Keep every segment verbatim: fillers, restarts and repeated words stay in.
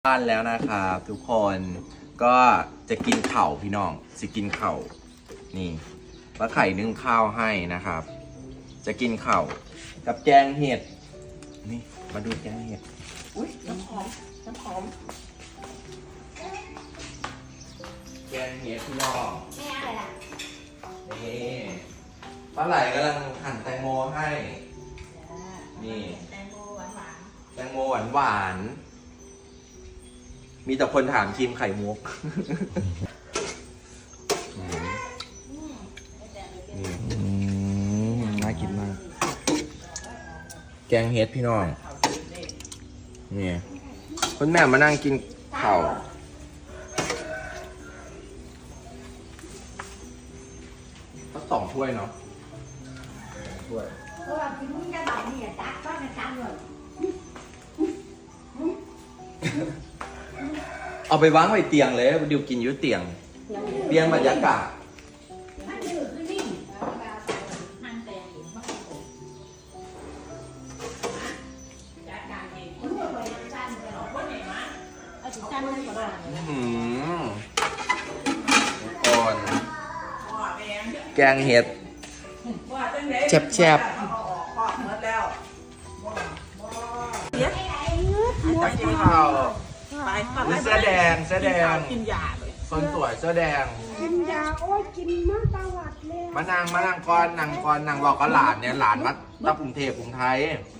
บ้านแล้วนะครับทุกคนก็จะกินเข่าพี่น้องจะกินเข่านี่ป้าไข่นึ่งข้าวให้นะครับ จะกินเข่ากับแกงเห็ดนี่มาดูแกงเห็ดอุ้ยน้ำหอมน้ำหอมแกงเห็ดพี่น้องนี่อะไรล่ะนี่ป้าไหลกำลังหั่นแตงโมให้นี่แตงโมหวานหวานแตงโมหวานหวานมีแต่คนถามครีมไข่มุกน่ากินมากแกงเฮ็ดพี่น้องนี่คุณแม่มานั่งกินข้าวก็สองถ้วยเนาะถ้วยเอาไปวางไว้เตียงเลยดิวกินอยู่เตียงเตียงบรรยากาศก่อนแกงเห็ดแซ่บๆจะกินข้าวเสื้อแดงเสื้อแดงกินยาเลยคนสวยเสื้อแดงกินยาโอ้ยกินมาตะวัดเลยมานั่งมานั่งก่อนนั่งก่อนนั่งบอกกับหลานเนี่ยหลานมาตั้งกรุงเทพกรุงไทย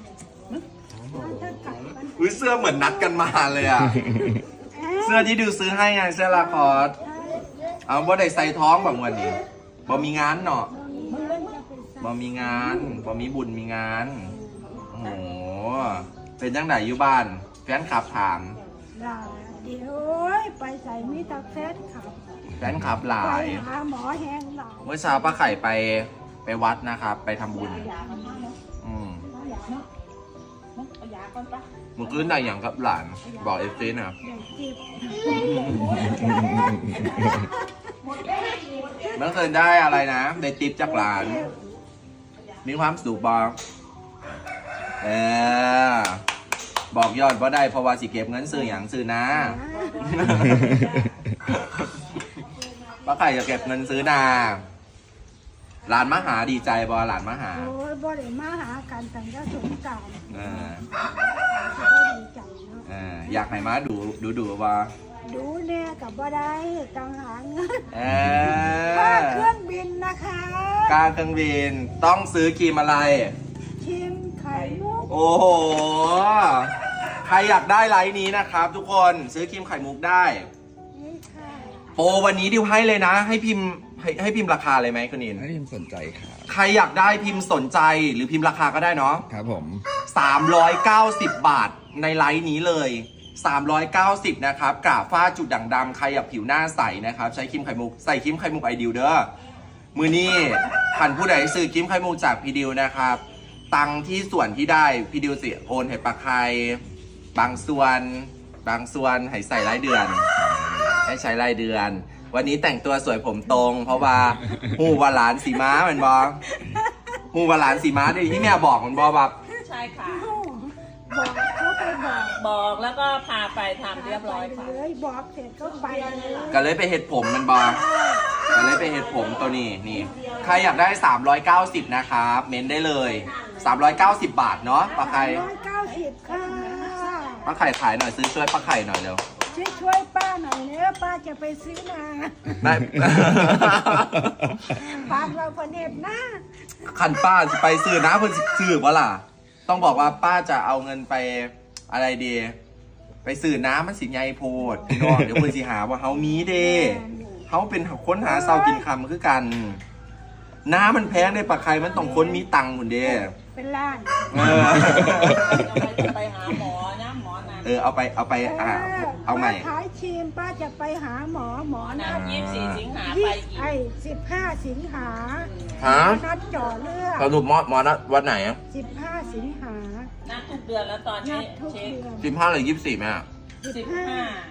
อุ้ยเสื้อเหมือนนัดกันมาเลยอ่ะเสื้อที่ดูซื้อให้ไงเสื้อลาคอสเอาบ่ได้ใส่ท้องแบบวันนี้บ่มีงานเนาะบ่มีงานบ่มีบุญมีงานโอ้โหเป็นจังไหนอยู่บ้านแฟนคลับถามเดี๋ยวไปใส่มีตาแฟนขับแฟนคลับหลายหาหมอแห้งหลายเมื่อเช้าป้าไข่ไปไปวัดนะครับไปทำบุญอืมมึงขึ้นได้อย่างครับหลานบอกเอฟซีนะครับเมื่อคืนได้อะไรนะได้ติปจากหลานมีความสุขบอกเออบอกยอดว่าได้เพราะว่าสิเก็บเงินซื้ออย่างซื้อนะป้าไข่จะเก็บเงินซื้อนาหลานมาหาดีใจบอหลานมาหาโอ้ยบ่ได้มาหากันแต่ก็สงสารเออดีใจเนาะเอออยากให้มาดูดูดูว่าดูเนี่ยกับบ่ได้ต้องหาเงินเออค่าเครื่องบินนะคะค่าเครื่องบินต้องซื้อครีมอะไรครีมไข่มุกโอ้โหใครอยากได้ไลน์นี้นะครับทุกคนซื้อครีมไข่มุกได้โปรวันนี้ดิวให้เลยนะให้พิมพ์ให้ให้พิมพ์ราคาเลยไหมคุณนินให้พิมพ์สนใจครับใครอยากได้พิมพ์สนใจหรือพิมพ์ราคาก็ได้เนาะครับผมสามร้อยเก้าสิบบาทในไลน์นี้เลยสามร้อยเก้าสิบนะครับกราบฝ้าจุดด่างดำใครอยากผิวหน้าใสนะครับใช้ครีมไข่มุกใส่ครีมไข่มุกไอดิวเด้อมือนี้ท่านผู้ใดซื้อครีมไข่มุกจากพี่ดิวนะครับตังที่ส่วนที่ได้พี่ดิวสิโอนให้ปากไข่บางส่วนบางส่วนให้ใส่รายเดือนให้ใช้รายเดือนวันนี้แต่งตัวสวยผมตรงเพราะว่าหูวาหลานสีม้าเหมือนบอหูวาหลานสีม้าดิที่แม่บอกเหมือนบอแบบใช่ค่ะบอกเขาไปบอกบอกแล้วก็พาไปทำเรียบร้อยค่ะเลยบอกเสร็จก็ไปก็เลยไปเห็ดผมมันบอก็เลยไปเห็ดผมตัวนี้นี่ใครอยากได้สามร้อยเก้าสิบนะครับเม้นได้เลยสามร้อยเก้าสิบบาทเนาะป้าไข่สามร้อยเก้าสิบค่ะป้าไข่ขายหน่อยซื้อช่วยป้าไข่หน่อยเร็วช่วยช่วยป้าหน่อยเนื้อป้าจะไปซื้อนาได้ป้าเราคนเห็บนะคันป้าจะไปซื้อนะเพื่อนซื้อวะล่ะต้องบอกว่าป้าจะเอาเงินไปอะไรดีไปซื้อน้ำมันสิไงโพดพี่น้องเดี๋ยวเพื่อนสิหาว่าเฮามีเด้เฮาเป็นค้นหาเศร้ากินคำคือกันน้ำมันแพงในปากไข่มันต้องค้นมีตังค์หมดเด้เป็นล้านเออไปหาหมอนะหมอนะเออเอาไปเอาไปอ่าเอาใหม่ขายครีมป้าจะไปหาหมอหมอนัดยี่สิบสี่สิงหาไปอีกไอ้สิบห้าสิงหาฮะนัดจ่อเลือดสรุปหมอหมอนัดวันไหนอ่ะสิบห้าสิงหานัดทุกเดือนแล้วตอนนี้เช็คสิบห้าหรือยี่สิบสี่แม่สิบห้า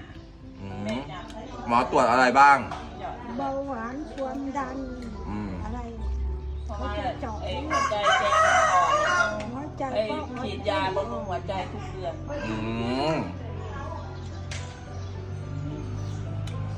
หมอตรวจอะไรบ้างเบาหวานความดันอะไรเขาจะเจาะหัวใจแจ้งอ่อนหัวใจฉีดยาบำรุงหัวใจทุกเดือนอืม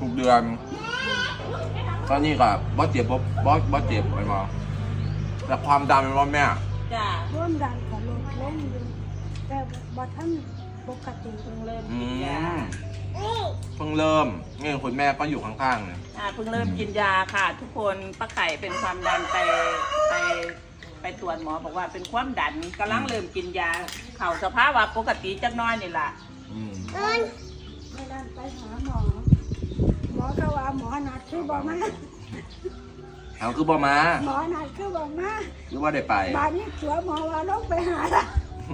ทุกเดือนตอนนี้ก็บอสเจ็บบอสบอสบอสเจ็บไปมาแต่ความดันเป็นว่าแม่จ้าร่วมดันกับลดลงอยู่แต่บ่ท่านปกติเพิ่งเริ่มอืกินยามเพิ่งเริ่มนี่คุณแม่ก็อยู่ข้างๆเนี่ยอ่าเพิ่งเริ่มกินยาค่ะ ทุกคนป้าไข่เป็นความดันไปไปไปตรวจหมอบอกว่าเป็นความดันกำลังเริ่มกินยาเข่าสภาพว่าปกติจักหน้อยนี่แหละอืมไม่ได้ไปหาหมอ หมอก็ว่าหมอนัดคือบอกมาเอาคือบอมาหมอนัดคือบอกมาหรือว่าได้ไปบานนี้เสือหมอว่าลงไปหาละ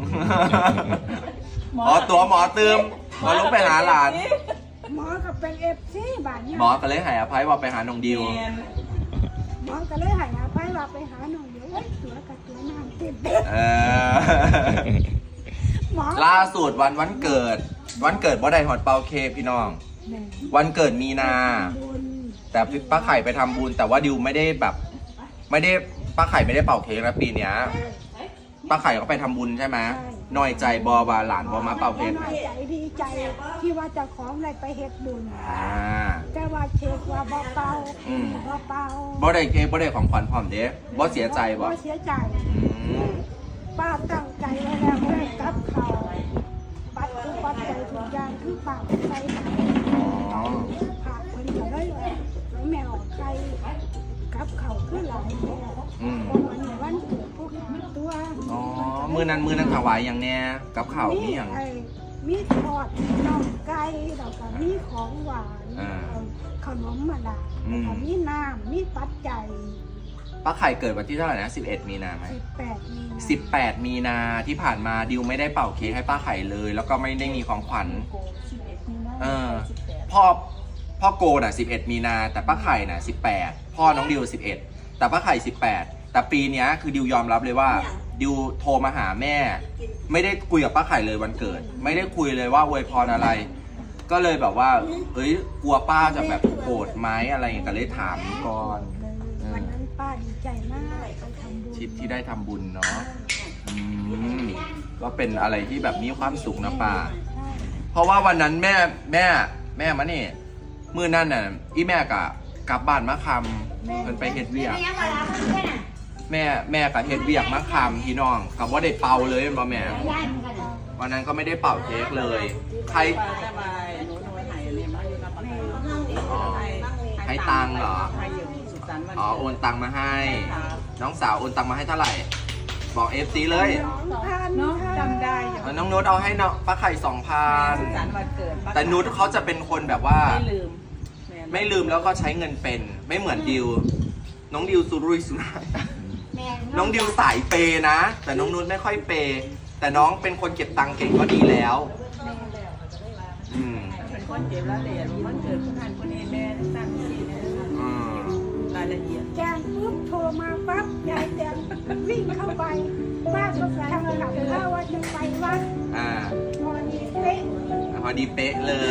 อ๋อตัวหมอเติมหมอลงไปหาหลานหมอก็เป็นเอฟซีบานนี้หมอก็เลยให้อภัยว่าไปหาน้องดิวหมอก็เลยใหายาไปว่าไปหาหน่อยเดี๋ยวเอ้ยเสือกับตัวน้ำติดเออหมอล่าสุดวันวันเกิด วันเกิดบ่ได้หอดเป่าเค้กพี่น้องแม่วันเกิดมีนาบุญแต่ป้าไข่ไปทำบุญแต่ว่าดิวไม่ได้แบบ ไม่ได้ป้าไข่ไม่ได้เป่าเค้กนะปีเนี้ยป้าไข่ก็ไปทำบุญใช่ไหมน้อยใจบอบาหลานบอมาเป่าเค้กน้นะอยใจดีใจที่ว่าเจะของอะไรไปเฮ็ดบุญอ่าแต่ว่าเช็คว่าบ่เป่าอืมบ่เป่าบ่ได้เค้กบ่ได้ของขวัญพร้อมเด้บ่เสียใจบ่เสียใจอืมป้าตั้งใจไว้แล้วว่ากับเขาปัดทุกปัดใจทุกอย่างคือป้าไปหาอ๋อผักคนก็เลยแล้วแมวใครกับเขาคือหลายแม่อืมเพราะวันนี้วันเกิดพวกตัวอ๋อมือนั้นมือนั้นถวายอย่างแน่กับข้าวมีอย่างไอ้มีทอดน่องไก่แล้วก็มีของหวานอ่าขนมมาดาอืมแล้วก็มีน้ำมีปัจจัยป้าไข่เกิดวันที่เท่าไหร่นะสิบเอ็ดมีนาไหมสิบแปดมีนาสิบแปดมีนาที่ผ่านมาดิวไม่ได้เป่าเค้กให้ป้าไข่เลย แล้วก็ไม่ได้มีของขวัญ เออ พ่อพ่อโกน่ะสิบเอ็ดมีนาแต่ป้าไข่น่ะสิบแปดพ่อน้องดิวสิบเอ็ดแต่ป้าไข่สิบแปดแต่ปีเนี้ยคือดิวยอมรับเลยว่าดิวโทรมาหาแม่ ไม่ได้คุยกับป้าไข่เลยวันเกิด ไม่ได้คุยเลยว่าอวยพรอะไร ก็เลยแบบว่า เอ้ยกลัวป้าจะแบบโกรธไหมอะไรอย่างเงี้ยก็เลยถามก่อนวันนั้นป้าดีใจมากไปทำบุญชิดที่ได้ทำบุญเนาะอืมก็เป็นอะไรที่แบบมีความสุขนะป้าใช่เพราะว่าวันนั้นแม่แม่แม่มานี่มือนั่นน่ะอีแม่กะกลับบ้านมะคำเพิ่นไปเฮ็ดเวียกแม่แม่กับเฮ็ดเวียกมะคำพี่น้องกับว่าได้เป่าเลยบ่แม่วันนั้นก็ไม่ได้เป่าเค้กเลย ใครป้าสบายหนูหนูหายเลยมาอยู่กับป้าอ๋อให้ตังค์เหรอให้อยู่สุดสันต์วันอ๋อโอนตังค์มาให้ครับน้องสาวโอนตังค์มาให้เท่าไหร่ บอกเอฟซีเลยสองพันเนาะค่ะจำได้อยู่เอาน้องนุชเอาให้น้องป้าไข่สองพันสุดสันต์วันเกิดป้าแต่นุชเขาจะเป็นคนแบบว่าไม่ลืมแไม่ลืมแล้วก็ใช้เงินเป็นไม่เหมือนดิว น้องดิวสุรุ่ยสุร่ายน้องดิวสายเปย์นะ แต่น้องนุชไม่ค่อยเปย์แต่น้องเป็นคนเก็บตังค์เก่งก็ดีแล้วอืมเป็นคนเจ็บแล้วเดี๋ยวมันเกิดผู้ทันคนนี้แม่ตั้งที่นะอืมรายละเอียดแจ้งปุ๊บโทรมาปั๊บยายแตงวิ่งเข้าไปป้าก็ทำกับข้าวว่าจะไปวัดอ่าพอดีเป๊ะพอดีเป๊ะเลย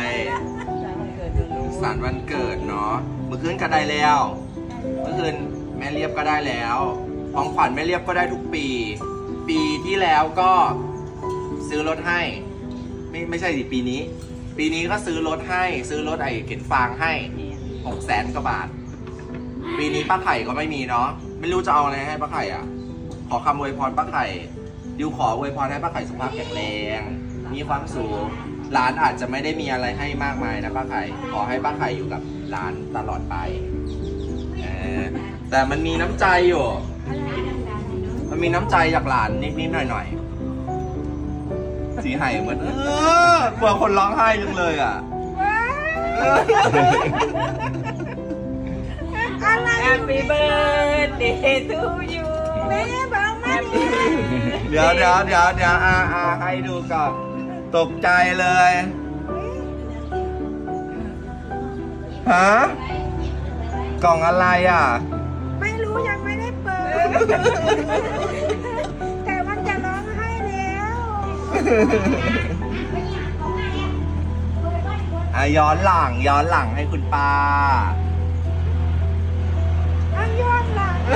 วันเกิดดูรู้สารวันเกิดเนาะเมื่อคืนก็ได้แล้ว เมื่อคืนแม่เรียบก็ได้แล้วของขวัญแม่เรียบก็ได้ทุกปี ปีที่แล้วก็ซื้อรถให้ ไม่ไม่ใช่สิปีนี้ ปีนี้ก็ซื้อรถให้ ซื้อรถไอ้เข็นฟางให้หกแสนกว่าบาท ปีนี้ป้าไข่ก็ไม่มีเนาะไม่รู้จะเอาอะไรให้ป้าไข่อ่ะ ขอคำอวยพรป้าไข่ดิวขออวยพรให้ป้าไข่สุขภาพแข็งแรงมีความสุขหลานอาจจะไม่ได้มีอะไรให้มากมายนะป้าไข่ขอให้ป้าไข่อยู่กับหลานตลอดไปเออแต่มันมีน้ำใจอยู่ มันมีน้ำใจจากหลานนิดๆหน่อยๆสีไห้เหมือนเออกลัวคนร้องไห้จังเลยอ่ะอะไรแฮปปี้เบิร์ดเดย์ทูยูแม่บอกมาดิเดี๋ยวเดี๋ยวเดี๋ยวเดี๋ยวอาอาให้ดูก่อนตกใจเลยฮะกล่องอะไรอ่ะไม่รู้ยังไม่ได้เปิด แต่มันจะร้องไห้แล้วอ่ะย้อนหลังย้อนหลังให้คุณป้าอันยอดหลัง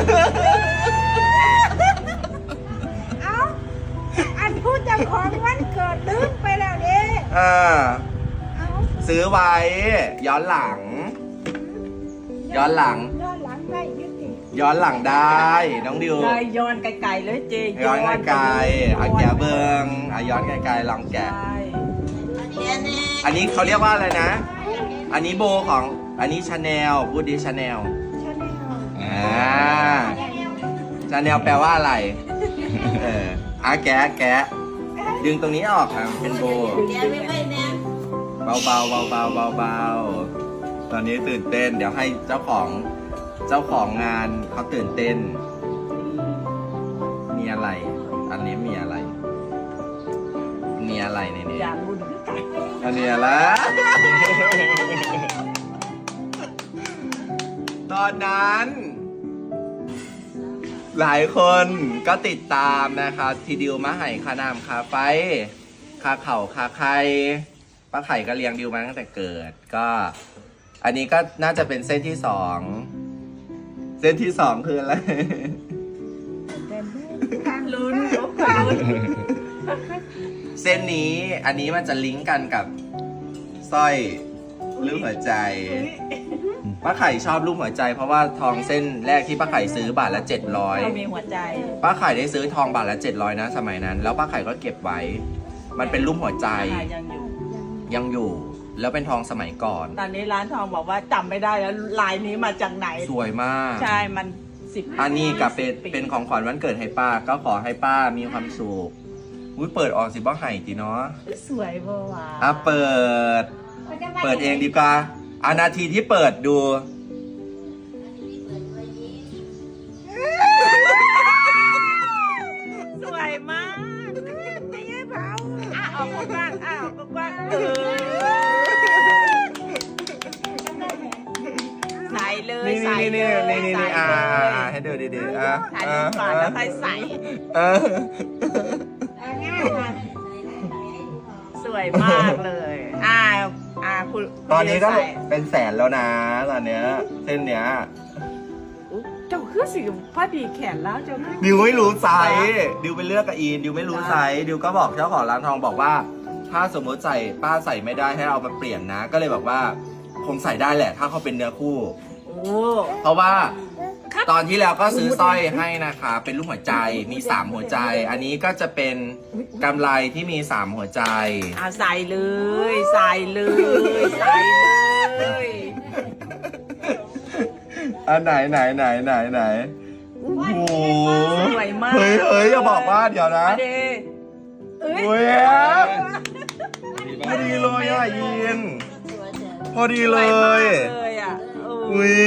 เอาอันพูดจะของวันเกิดลืมไปแล้วเด้อ่าเอาซื้อไว้ ย้อนหลัง ย้อนหลังย้อนหลังได้ยุติย้อนหลังได้น้องดิวเลยย้อนไกลๆเลยเจย้อนไกลๆอ่ะแกะเบิงอ่ะย้อนไกลๆลองแกะใช่อันนี้เขาเรียกว่าอะไรนะ อันนี้โบของ อันนี้ชาแนลพูดดิชาแนลชาแนลอ่าชาแนลแปลว่าอะไร เอออ่ะแกะแกะดึงตรงนี้ออกอ่ะเป็นโบ เบาเบาเบาเบาเบาเบาตอนนี้ตื่นเต้น เดี๋ยวให้เจ้าของ เจ้าของงานเขาตื่นเต้น มีอะไร อันนี้มีอะไร มีอะไรในนี้อย่างรุ่นคือกันอันนี้อะไร ตอนนั้น หลายคนก็ติดตามนะครับ ทีดิวมาไห่คานามคาไฟคาเข่าคาไข่ป้าไข่ก็เลี้ยงดิวมาตั้งแต่เกิด ก็ อันนี้ก็น่าจะเป็นเส้นที่สอง เส้นที่สองคืออะไรลุ้นลุกลุ้นเส้นนี้อันนี้มันจะลิงก์กันกับสร้อยรูปหัวใจป้าไข่ชอบรูปหัวใจ เพราะว่าทองเส้นแรกที่ป้าไข่ซื้อบาทละเจ็ดร้อยเรามีหัวใจป้าไข่ได้ซื้อทองบาทละเจ็ดร้อยนะสมัยนั้น แล้วป้าไข่ก็เก็บไว้ มันเป็นรูปหัวใจยังอยู่ยังอยู่ แล้วเป็นทองสมัยก่อนตอนนี้ร้านทองบอกว่าจำไม่ได้แล้วลายนี้มาจากไหนสวยมากใช่มันสิบอันนี้กับเป็นเป็นของขวัญวันเกิดให้ป้า ก็ขอให้ป้ามีความสุขอุ้ยเปิดออกสิบ้าไห่จีเนาะสวยเบอร์ว่ะอ่ะเปิด เปิดเองดีกว่าอานาทีที่เปิดดูสวยมากไม่ใช่เบาอ่ะออกกว้างๆอ่ะออกกว้างๆเออใส่เลยนี่ใส่นี่เลนี่ยนี่นี่ใส่นี่อ่าเลยอ่าให้ดูดีๆอ่ะถ่ายรูปก่อนแล้วค่อยใส่เออง่ายค่ะสวยมากเลย อ่า อ่าคุณตอนนี้ก็ใส่เป็นแสนแล้วนะตอนเนี้ยเส้นเนี้ยอุ๊ยเจ้าคือสิพอดีแขนแล้วเจ้าคือดิวไม่รู้ไซส์ดิวไปเลือกกับอีนดิวไม่รู้ไซส์ดิวก็บอกเจ้าของร้านทองบอกว่า ถ้าสมมติใส่ป้าใส่ไม่ได้ให้เอามาเปลี่ยนนะ ก็เลยบอกว่าคงใส่ได้แหละ ถ้าเขาเป็นเนื้อคู่โอ้เพราะว่าครับตอนที่แล้วก็ซื้อสร้อยให้นะคะเป็นรูปหัวใจมีสามหัวใจ อันนี้ก็จะเป็นกำไรที่มีสามหัวใจอ่าใส่เลย ใส่เลย ใส่เลยอันไหนไหนไหนไหนไหนโอ้โหสวยมากเฮ้ยเฮ้ยอย่าบอกว่าเดี๋ยวนะมาเดเอ้ยโอ้ยพอดีเลยอ่ะยินพอดีเลยสวมากเลยอ่ะเอออุ้ย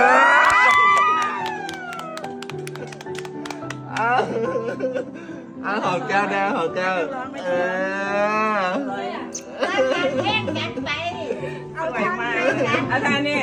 อ้าวอ้าวหอมแก้วแดงหอมแก้วเออเล่นกันไปสวยมากอาจารย์นี่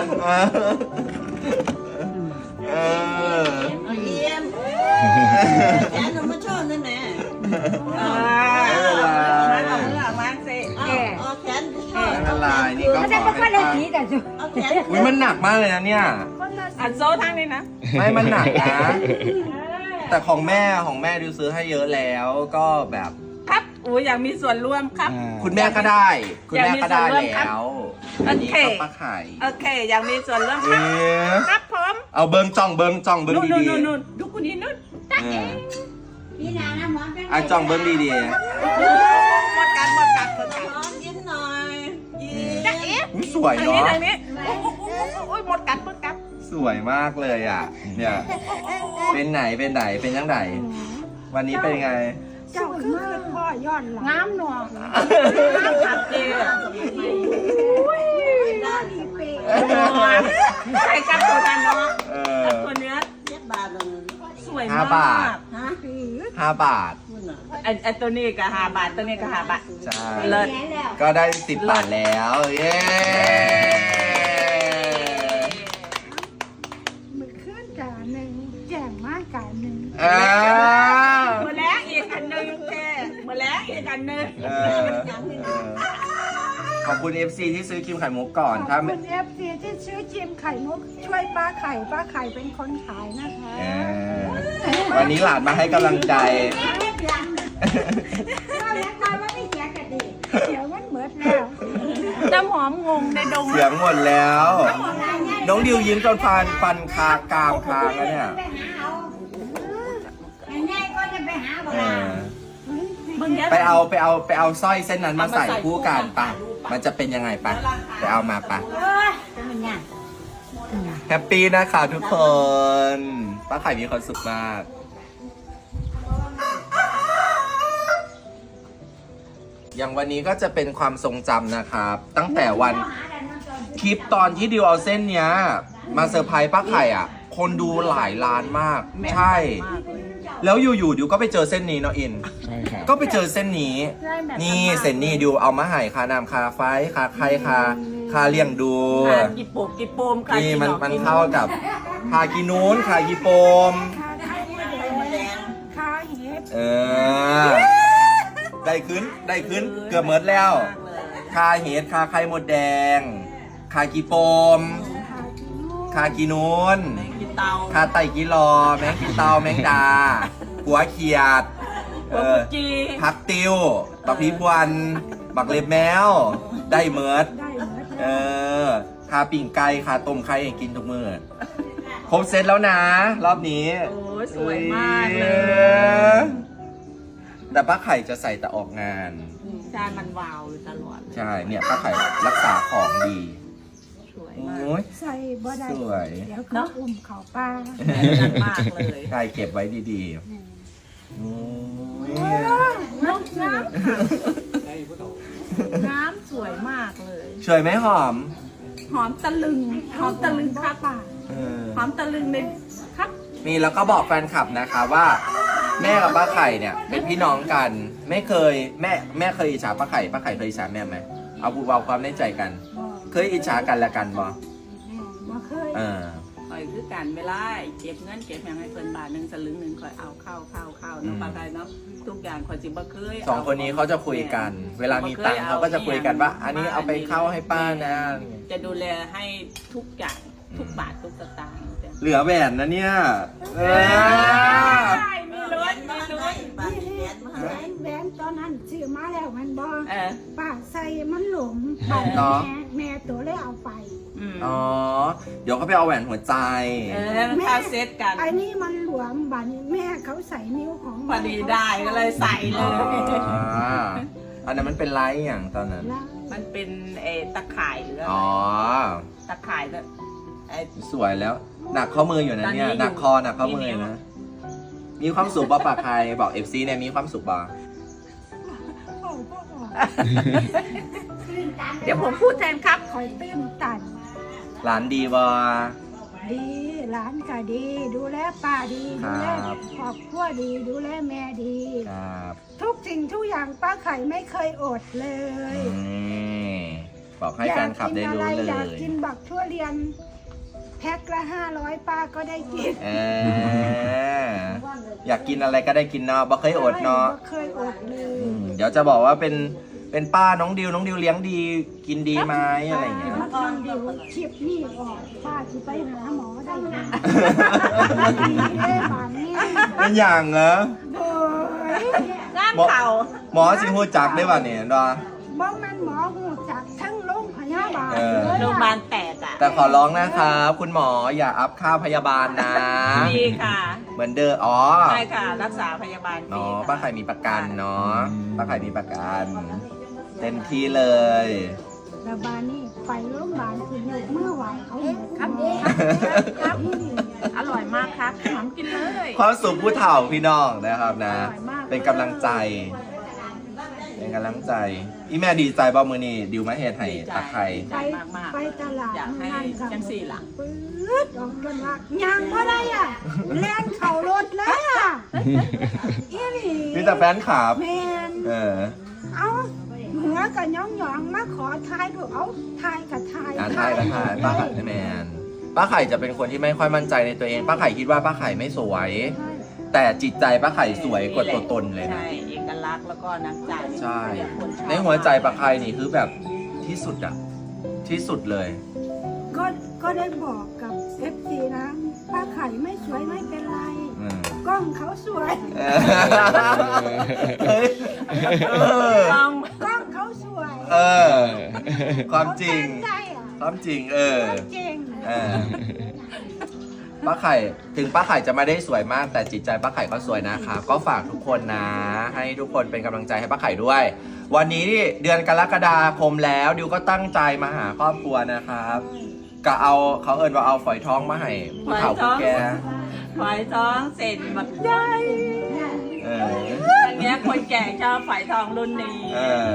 เออเยี่ยมแกนมาชอบนั่นแหละอ่ามาเอาเมื่อมาสิเอาเอาแกนชอบไม่เป็นไรนี่ก็ขอให้ป้าเอาแกนอุ้ยมันหนักมากเลยนะเนี่ยคนละอัดโซ่ทั้งนี้นะไม่มันหนักนะ แต่ของแม่ของแม่ดิวซื้อให้เยอะแล้วก็แบบครับอู้อยากมีส่วนร่วมครับคุณแม่ก็ได้ คุณแม่ก็ได้อยากมีส่วนร่วมครับแล้วโอเคอันนี้ก็ป้าไข่โอเค อยากมีส่วนร่วมคเอ๊รับะครับผมเอาเบิ้งจ้องเบิ้งจ้องเบิ้งนู่นดีนู่นนู่นดูคนนี้นู่นๆเออพี่นานะหมอจังอ่ะจ้องเบิ้งดีหมดกันหมดกันหมดกันร้องยิ้มหน่อยยิ้มจะเอ๊ะๆอุ๊ยสวยทางเนาะนี้ทางนี้โอ้โหโอ้ยหมดกันหมดกันสวยมากเลยอ่ะ เนี่ย เป็นไหนเป็นไหนเป็นยังไงวันนี้เป็นไงเจ้าคือพ่อย้อนหลังงามหนวงขัดเจด้านอีเปย์ใส่กับตัวนั้นเนาะเอกับอตัวเนื้อเจ็ดบาทเลยสวยห้ามากบาทฮะห้าบาทคุณน่ะไอ้ไอ้ตัวนี้ก็ห้าบาทตัวนี้ก็ห้าบาทใช่เลิศก็ได้สิบบาทแล้ว เย้มือขึ้นกาหนึ่งแจ่มมากกาหนึ่งอ่ามือแล้วอีกอันหนึ่งแค่มือแล้วอีกอันหนึ่งเออเออขอบคุณ เอฟ ซี ที่ซื้อครีมไข่มุกก่อนขถ้าอบไม่คุณเอฟซีที่ซื้อจิมไข่มุกช่วยป้าไข่ป้าไข่เป็นคนขายนะคะเออวันนี้หลานมาให้กำลังใจเดี๋ยวมันเหมือนแล้วน้ำหอมงงในดงเสียงหมดแล้ว น้องดิวยิ้มจนฟันฟันคากรามคางแล้วเนี่ยไปหาเอาง่ายๆก็จะไปหาบ่เอล่ะอไปเอาไปเอาไปเอาสร้อยเส้นนั้นมาใส่คู่กันปะมันจะเป็นยังไงปะไปเอามาปะเอ้ยจะมันยากแฮปปี้นะคะทุกคน ป้าไข่มีความสุขมาก อย่างวันนี้ก็จะเป็นความทรงจำนะครับ ตั้งแต่วันคลิปตอนที่ดิวเอาเส้นเนี้ย มาเซอร์ไพรส์ป้าไข่อ่ะ คนดูหลายล้านมาก ใช่ แล้วอยู่ๆดิวก็ไปเจอเส้นนี้เนาะอินใช่ครับก็ไปเจอเส้นนี้ นี่เส้นนี้ดิวเอามาให้คานามคาไฟคาไข่คาคาเลี้ยงดูกิโปมกิโปมค่ะนี่มันมันเข้ากับคากีนูนคากีโปมคาไข่แดงคาเห็ดเออ ได้ขึ้น ได้ขึ้น เกือบเมิดแล้ว คาเห็ด คาไข่มดแดง คากีโปมคากินูคากีนูนกิเตาคาไตกีรอ แมงกีเตา แมงดา หัวเขียด เออจีพักติวบักพีพวันบักเล็บแมว ได้เมิดได้เหมือนเออ คาปิ่งไก่คาต้มไข่ให้กินทุกมื้อครบเซตแล้วนะ รอบนี้โอ้ยสวยมากเลยแต่ป้าไข่จะใส่แต่ออกงานจานมันวาวอยู่ตลอดใช่ เนี่ยป้าไข่รักษาของดีสวยโอมาก้ยใส่บ่ได้สวยเดี๋ยวเขาอุ้มเขาป้าจัดมากเลยไข่เก็บไว้ดีๆโอ้ยน้ำน้ำน้ำสวยมากเลยสวยไหมหอมหอมตะลึง หอมตะลึงครับป่าเออหอมตะลึงในครับมีแล้วก็บอกแฟนคลับนะคะว่า แม่กับป้าไข่เนี่ยเป็นพี่น้องกัน ไม่เคยแม่แม่เคยอิจฉาป้าไข่ป้าไข่เคยอิจฉาแม่ไหมเอาบูเบาความในใจกันบ่เคยอิจฉากันและกันบ่แม่บ่เคยเออคอยคือกันเวลาเก็บเงินเก็บอย่างให้เพิ่นบาทหนึ่งสลึงหนึ่งคอยเอาเข้าเข้าเข้าน้องปลาไก่เนาะทุกอย่างคอยจิบ่เคยสองคนนี้เขาจะคุยกัน เวลามีตังค์เขาก็จะคุยกันว่า อันนี้เอาไปเข้าให้ป้านะจะดูแลให้ทุกอย่างทุกบาททุกสตางค์จ้ะเหลือแหวนนะเนี่ย เออมีรถมีรถบ้านแหวนมาแหวให้นแหวนตอนนั้นซื้อมาแล้วมันบ่เออป้าใส่มันหลมป้าเนาะแม่แม่ตัวเลยเอาไปอืมอ๋อ เดี๋ยวเขาไปเอาแหวนหัวใจเออมันเข้าเซตกันไอ้นี่มันหลวมบัดนี้แม่เขาใส่นิ้วของพอดีได้ก็เลยใส่เลอ๋อย อันนั้นมันเป็นไลท์อย่างตอนนั้นแล้วมันเป็นเออตะข่ายหรืออะไรอ๋อตะข่ายแบบไอ้สวยแล้ว หนักข้อมืออยู่นะเนี่ยตอนนี้อยู่หนักคอหนักข้อมือกี่นิ้วนะ มีความสุขบ่ปากใครบอกเอฟซีเนี่ยมีความสุขบ่โอ้พ่อบอกเดี๋ยวผมพูดแทนครับคอยตื้นตันหลานดีบ่ดีหลานก็ดี ดูแลป้าดีครัดูบแลครอบครัวดี ดูแลแม่ดีครับทุกสิ่งทุกอย่างป้าไข่ไม่เคยอดเลยนี่บอกให้แฟนคลับได้รู้อยากกินอะไรเลอยากยกินบักทั่วเรียน แพ็คละห้าร้อยป้าก็ได้กินเอออยากกินอะไรก็ได้กินเนาะบ่เคยอดเนาะบ่เคยอดเลยอืมเดี๋ยวจะบอกว่าเป็นเป็นป้าน้องดิวน้องดิวเลี้ยงดีกินดีไหมอะไรอย่างเงี้ยป้าตอนเดียวคลิปนี่ออกป้าจะไปหาหมอได้ไหมดีเลยป่านนี้เป็นอย่างเหรอโอ้ยงานเข่าหมอสิฮู้จักได้ป่ะเนี่ยดอบ่แม่นหมอหูจักทั้งโรงพยาบาลเออเลยโรงพยาบาลแตกอ่ะแต่ขอร้องนะครับคุณหมออย่าอัพค่าพยาบาลนะดีค่ะเหมือนเดิมอ๋อใช่ค่ะ รักษาพยาบาลฟรีเนาะค่ะป้าไข่มีประกันเนาะป้าไข่มีประกัน เต็มที่เลยแล้วบานนี่ไปโรงพยาบาลคือยกมือไหวเขาหมดครับหมอครับ อร่อยมากครับหอมกินเลยความสุขผู้เฒ่าพี่น้องนะครับนะอร่อยมากเป็นกำลังใจ เป็นกำลังใจ อีแม่ดีใจบ่มือนี่ดิวมาเฮ็ดให้ตาไข่ไปไปตลาดอยากให้นั่นกับจังสี่หลังปื๊ดออกกันว่ายางบ่ได้อ่ะแล่นเข่ารถแล้วอ่ะอีหลีมีแต่แฟนคลับแมนเออเอาหัวกับย่องหยองมาขอทายดูเอาทายกับทายอ่าทายกันทายป้าไข่แมนป้าไข่จะเป็นคนที่ไม่ค่อยมั่นใจในตัวเอง ป้าไข่คิดว่าป้าไข่ไม่สวยใช่แต่จิตใจป้าไข่สวยกว่าตัวตนเลยนะใช่ เอกลักษณ์แล้วก็น้ำใจใช่คนชอบในหัวใจป้าไข่นี่คือแบบที่สุดอะที่สุดเลยก็ก็ได้บอกกับเอฟซีนะป้าไข่ไม่สวยไม่เป็นไรอืมกล้องเขาสวยเฮ้ยเออต้องกล้องเขาสวยเออความจริงเขาตั้ใจอ่ะความจริงเออความจริงเออป้าไข่ถึงป้าไข่จะไม่ได้สวยมากแต่จิตใจป้าไข่ก็สวยนะครับก็ฝากทุกคนนะ ให้ทุกคนเป็นกำลังใจให้ป้าไข่ด้วย วันนี้นี่เดือนกรกฎาคมแล้วดิวก็ตั้งใจมาหาครอบครัวนะครับก็เอาเขาเอิญว่าเอาฝอยทองมาให้ผู้เฒ่าผู้แก่ฝอยทองเสร็จแบบใหญ่เอออันเนี้ยคนแก่ชอบฝอยทองรุ่นนี้เออ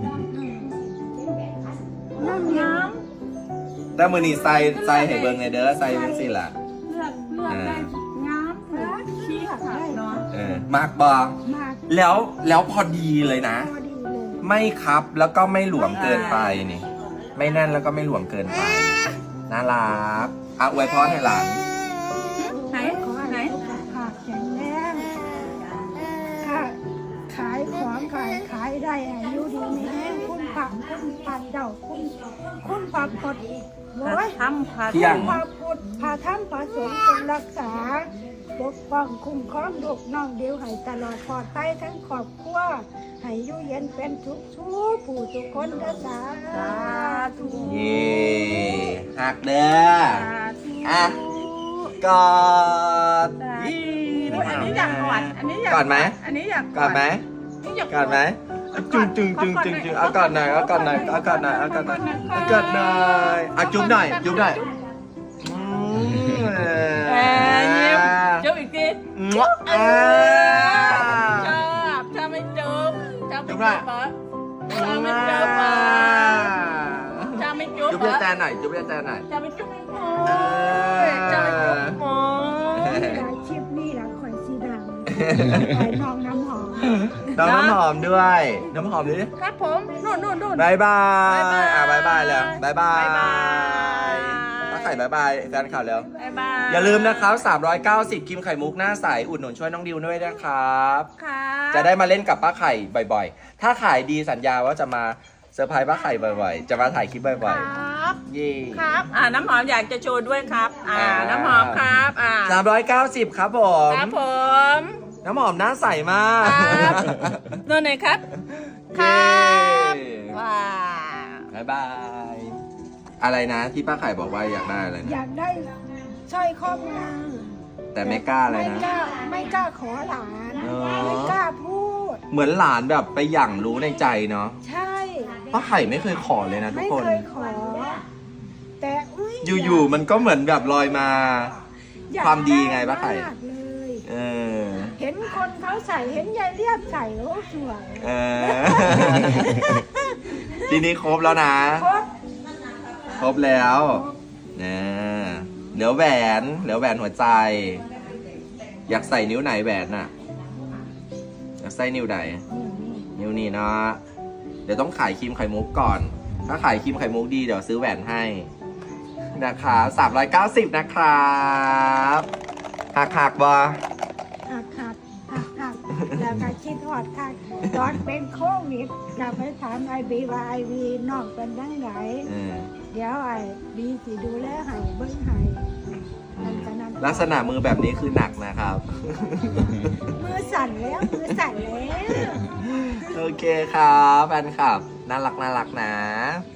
น้ำน้แต่มือนี้ใส่ใส่ให้เบิ่งในเด้อใส่เป็นสิล่ะำเลือกเลือกได้งามเลือกขี้ขัดได้เนาะเออมากบอมากแล้วแล้วพอดีเลยนะพอดีเลยไม่ครับแล้วก็ไม่หลวมเกินไปนี่ ไม่แน่นแล้วก็ไม่หลวมเกินไปน่ารักอ่ะอวยพรให้หลานไหนขอไหนให้สุขภาพแข็งแรงค่ะขายของขายขายได้อายุดีมีแห้งคุณผักคุณผัดเดาคุณคุณผักกดโว้ยทำผัดเที่ยงพาพุทธพาธรรมพาสงฆ์เป็นรักษาปกป้องคุ้มครองลูกน้องเดียวให้ตลอดปลอดภัยทั้งครอบครัวให้อยู่เย็นเป็นทุกทุกผู้ทุกคนเด้อสาธุเย่หักเด้ออ่ะกอดอันนี้อยากกอดอันนี้อยากกอดไหมอันนี้อยากกอดไหมอันนี้อยากกอดไหมจุงจุงจุงจุงจุงเอากอดหน่อยเอากอดหน่อยเอากอดหน่อยเอากอดหน่อยเอากอดหน่อยอ่ะจุ๊บหน่อยจุ๊บหน่อยอืมเออยิ้มจุ๊บอีกทีงวะอ่าชอบชอบไม่จุ๊บชอบไม่จุ๊จุ๊บบ หน่อยเหรอชอบไม่จุ๊บเหรอชอบไม่จุ๊บจุ๊บเหรเรียอกแจนหน่อยจุ๊บเรียกแจนหน่อยชอบไม่จุ๊บโเออ้อยชอบไม่จุ๊บโอ้ยหลายชิปนี่แหละข่อยสีดำไอ้น้องน้ำหอมน้องน้ำหอมด้วย น้ำหอมดิครับผมนู่นนู่นนู่นบายบายบ๊ายบายอ่ะบายบายแล้วบายบายบ๊ายบายป้าไข่บายบายแฟนข่าวแล้วบ๊ายบายอย่าลืมนะครับสามร้อยเก้าสิบครีมไข่มุกหน้าใสอุดหนุนช่วยน้องดิวด้วยนะครับค่ะจะได้มาเล่นกับป้าไข่บ่อยๆ ถ้าขายดีสัญญาว่าจะมาเซอร์ไพรส์ป้าไข่บ่อยๆ จะมาถ่ายคลิปบ่อยครับๆ เย่ครับอ่าน้ำหอมอยากจะโชว์ด้วยครับ อ่าอ่าน้ำหอมครับอ่าสามร้อยเก้าสิบครับผมครับผมน้ำหอมหน้าใสมากครับนู่นไหนครับ ครัเย้บ ว้าวบายบาย อะไรนะที่ป้าไข่บอกว่าอยากได้อะไรอนะยากได้สร้อยข้อมือแต่ไม่กล้าอะไรไม่นะกล้าไม่กล้าขอหลานอ๋อไม่กล้าพูดเหมือนหลานแบบไปหยั่งรู้ในใจเนาะใช่ป้าไข่ไม่เคยขอเลยนะทุไม่กคนเคยขอ แต่อุ๊ยอยู่ๆมันก็เหมือนแบบลอยมาอยากความดีไงป้าไข่มากเลยเออเห็นคนเขาใส่เห็นยายเรียบใส่โอ้สวยเออ ทีนี้ครบแล้วนะครบครบแล้วนะเหลือแหวนเหลือแหวนหัวใจ อยากใส่นิ้วไหนแหวนน่ะ อยากใส่นิ้วไหน นิ้วนี้เนาะ เดี๋ยวต้องขายครีมไข่มุกก่อน ถ้าขายครีมไข่มุกดีเดี๋ยวซื้อแหวนให้นะคะสามร้อยเก้าสิบนะครับหักหักบอหักหักหักหักแล้วก็คิดหอดค่ะตอนเป็นโควิดจะไปถามไอบีว่าไอบีนอกเป็นยังไงเออเดี๋ยวไอบีสิดูแลให้เบิ้งให้นั่นก็นั่นลักษณะมือแบบนี้คือหนักนะครับมือสั่นแล้วมือสั่นแล้วโอเคครับแฟนคลับน่ารักน่ารักนะ